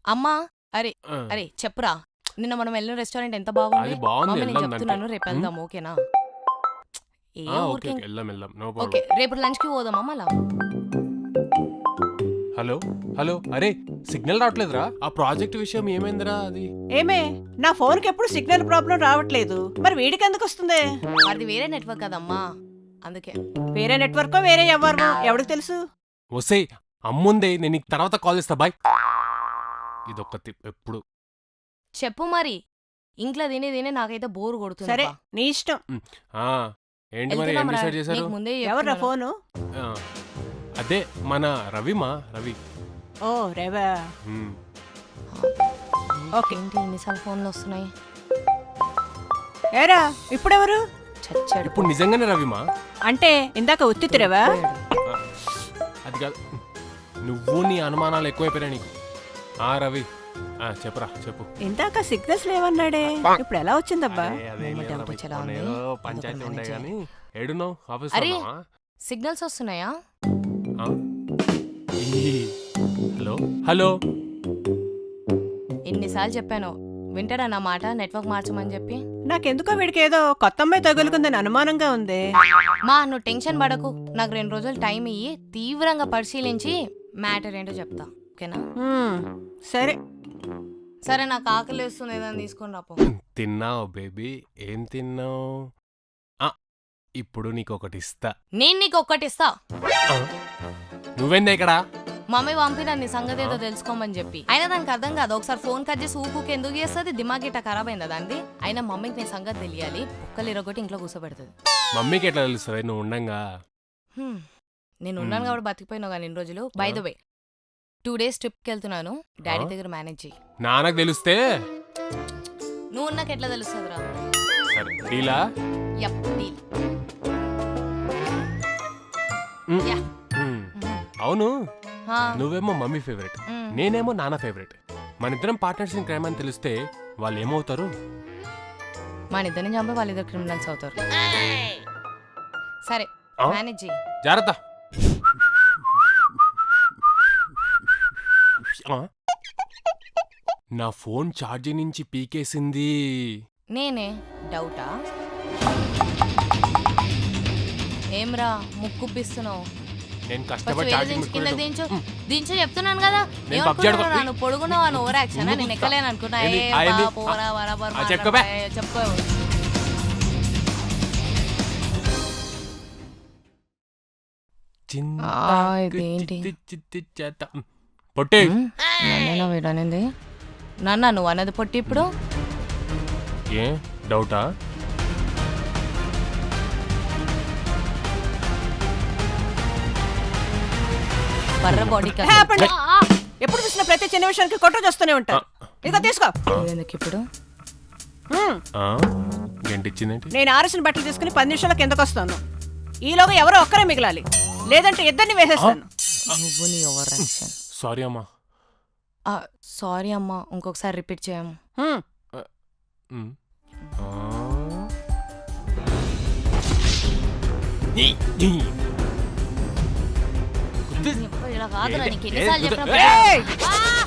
అమ్మా అరే ఆ, అరే చెప్పురా నిన్న మనం వెళ్ళిన రెస్టారెంట్ ఎంత బాగుంది అది బాగుంది, మమ్మీ నేను వెళ్దాం చెప్తున్నాను దానికి. రేపు వెళ్దాం ఓకేనా ఏ ఓకే ఊరికే ఓకే, వెళ్దాం వెళ్దాం, నో ఓకే ప్రాబ్లం. రేపు లంచ్ కి పోదామా మళ్ళా హలో హలో, అరే సిగ్నల్ రావట్లేదురా, ఆ ప్రాజెక్ట్ విషయం ఏమైందిరా అది? ఏమే నా ఫోన్కి ఎప్పుడు సిగ్నల్ ప్రాబ్లం రావట్లేదు, మరి వీడికి ఎందుకు వస్తుంది? అది వేరే నెట్వర్క్ కదమ్మా అందుకే వేరే నెట్వర్కో వేరే ఎవరు ఎవరికి తెలుసు? వస్తే అమ్ముందే, నేను నీకు తర్వాత కాల్ చేస్తా, బాయ్. ఇదొక్క ఎప్పుడు చెప్పు మరి ఇంట్లో తిని తిని నాకైతే బోర్ కొడుతుంది సరే అబ్బా. నీ ఇష్టం. ఆ, ఏంటి మరి ఏం వెళ్తున్నాం రా. డిసైడ్ చేశారు? నీకు ముందే ఎవర్రా చెప్తున్నాను. ఫోను? ఆ, అదే మన రవి. ఓ రేవా, ఉమ్, ఓకే. ఏంటి ఎన్నిసార్లు ఫోన్లు వస్తున్నాయి ఏరా ఇప్పుడెవరు? చచ్చాడు ఇప్పుడు నిజంగానే రవిమా? అంటే ఇందాక ఉత్తితిరేవా? ఆ, అది కాదు, నువ్వు నీ అనుమానాలు ఎక్కువైపోయినాయి నీకు. ఆ రవి, చెప్పురా చెప్పు. ఇందాక సిగ్నల్స్ లేవన్నాడే, ఇప్పుడు ఎలా వచ్చిందబ్బా? అరే, అదేం మొమ్మ లేదురా డౌట్ బై, వచ్చేలా మొన్న ఉంది. ఏదో అదొక పంచాయతీ ఉండే మేనేజర్. కానీ ఏడున్నావు? ఆఫీస్ అరే. సిగ్నల్స్ వస్తున్నాయా హలో హలో, ఎన్నిసార్లు చెప్పాను వింటాడా నా మాట నెట్వర్క్ మార్చమని చెప్పి నాకెందుకో వీడికి ఏదో కొత్త అమ్మాయి తగులుకుందని అనుమానంగా ఉంది. మా నువ్వు టెన్షన్ పడకు నాకు 2 రోజులు టైం ఇయ్యి తీవ్రంగా పరిశీలించి మ్యాటర్ ఏంటో చెప్తా ఓకేనా సరే సరే నాకు ఆకలి వేస్తుంది ఏదైనా తీసుకొని రాపో తిన్నావు బేబీ? ఏం తిన్నావు? ఇప్పుడు నీకు ఒకటి ఇస్తా. నేను నీకు ఒక్కటి ఇస్తా ఆ, నువ్వేందా ఇక్కడ? మమ్మీ పంపిన నీ సంగతి ఏదో తెలుసుకోమని చెప్పి అయినా దానికి అర్థం కాదు ఒకసారి ఫోన్ కట్ చేసి ఊకు ఎందుకు చేస్తుంది దిమాగ్ ఇట్లా ఖరాబ్ అయిందా దాన్ని అయినా మమ్మీకి నీ సంగతి తెలియాలి కుక్కలు ఇరగొట్టి ఇంట్లో కూర్చోబెడుతుంది మమ్మీకి ఎట్లా తెలుస్తుంది నువ్వు ఉండంగా? నేను ఉన్నాను కాబట్టి బతికిపోయినావు కానీ 2 రోజులు బై ద వే 2 days ట్రిప్కి వెళ్తున్నాను డాడీ దగ్గర మేనేజ్ చెయ్యి నాన్నకు తెలిస్తే నువ్వు ఉన్నాక ఎట్లా తెలుస్తుందిరా సరే డీలా? Yup deal um, ya. Um. అవును, హా, నువ్వేమో మమ్మీ ఫేవరెట్, ఉమ్. నేనేమో నాన్న ఫేవరెట్. మన ఇద్దరం పార్ట్నర్స్ ఇన్ క్రైమ్ అని తెలిస్తే వాళ్ళు ఏమవుతారు? మన ఇద్దరిని చంపి వాళ్ళిద్దరు క్రిమినల్స్ అవుతారు సరే ఆ? మేనేజ్ చెయ్యి జాగ్రత్త. ఆ? నా ఫోన్ ఛార్జింగ్ నుంచి పీకేసింది. నేనే డౌటా ఏమ్రా ముక్కుప్పిస్తున్నావు నేను ఫస్ట్ కష్టపడి వేరే ఛార్జింగ్ దించు కింద పెట్టుకునేటప్పుడు- దించు దించు చెప్తున్నాను కదా నేను పబ్జి ఆడుకో- ఏమనుకున్నావు నువ్వు పొడుగున్నావు అని ఓవర్ యాక్షన్ నువ్వు నేను ఎక్కలేను అనుకున్నా ఏంది? ఏ ఆ ఏంది? బా, పోరా, బరాబర్ ఆ చెప్పుకోబే. మాట్లాడబా, చెప్పుకో ఇదేంటి? పొట్టే నన్నేనా వీడనేది నాన్న నువ్వు అన్నది పొట్టి ఇప్పుడు ఏ డౌటా? బర్ర బాడీ హ్యాపండి. ఎప్పుడు చూసిన ప్రతి చిన్న విషయానికి కొట్టు చేస్తూనే ఉంటారు. ఇదిగో తీసుకో. ఎందుకు ఇప్పుడు గంటిచ్చిందేంటి? నేను ఆరేసిన బట్టలు తీసుకుని 10 నిమిషాల కిందకు వస్తాను. ఈలోగా ఎవరో ఒక్కరే మిగలాలి, లేదంటే ఇద్దరిని వేసేస్తాను. నువ్వు నీ ఓవర్ యాక్షన్ సారీ అమ్మా. సారీ అమ్మా ఇంకొకసారి రిపీట్ చేయము హ్మ్. ఉమ్. ఆ. ఇలా కాదురా నీకు ఎన్నిసార్లు చెప్పినప్పుడు ఏయ్! ఆ!